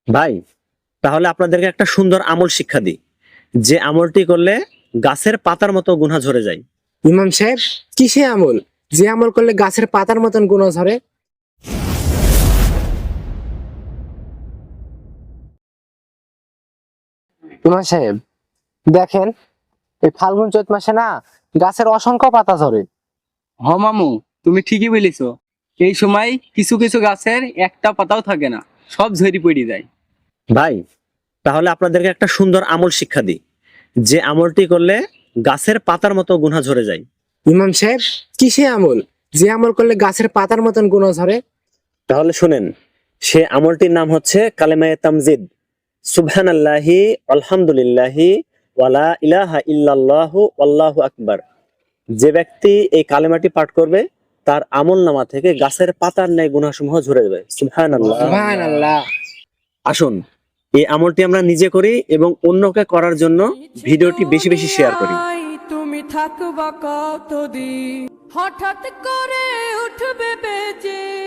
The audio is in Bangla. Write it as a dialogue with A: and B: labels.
A: ভাই, তাহলে আপনাদেরকে একটা সুন্দর আমল শিক্ষা দিই, যে আমলটি করলে গাছের পাতার মতো গুনাহ ঝরে যায়।
B: ইমাম সাহেব, কিসে আমল যে আমল করলে গাছের পাতার মতন গুনাহ ঝরে? ইমাম সাহেব দেখেন, এই ফাল্গুন চৈত মাসে না গাছের অসংখ্য পাতা ঝরে।
C: হ মামু, তুমি ঠিকই বলেছো। এই সময় কিছু কিছু গাছের একটা পাতাও থাকে না, সব ঝরি পড়ে যায়।
A: ভাই, তাহলে আপনাদেরকে একটা সুন্দর আমল শিক্ষা দিই, যে আমলটি করলে গাছের পাতার মতো গুনাহ ঝরে যায়।
B: ইমাম সাহেব, কিসে আমল যে আমল করলে গাছের পাতার মতন গুনাহ ঝরে?
A: তাহলে শুনেন, সে আমলটির নাম হচ্ছে কালেমায়ে তামজিদ। সুবহানাল্লাহি আলহামদুলিল্লাহি ওয়ালা ইলাহা ইল্লাল্লাহু আল্লাহু আকবার। যে ব্যক্তি এই কালেমাটি পাঠ করবে, তার আমলনামা থেকে গাছের পাতার ন্যায় গুনাহসমূহ ঝরে যাবে। সুবহানাল্লাহ।
B: সুবহানাল্লাহ।
A: আসুন, এই আমলটি আমরা নিজে করি এবং অন্যকে করার জন্য ভিডিওটি বেশি বেশি শেয়ার করি।
D: তুমি থাকবা কতদিন, হঠাৎ করে উঠবে বেজে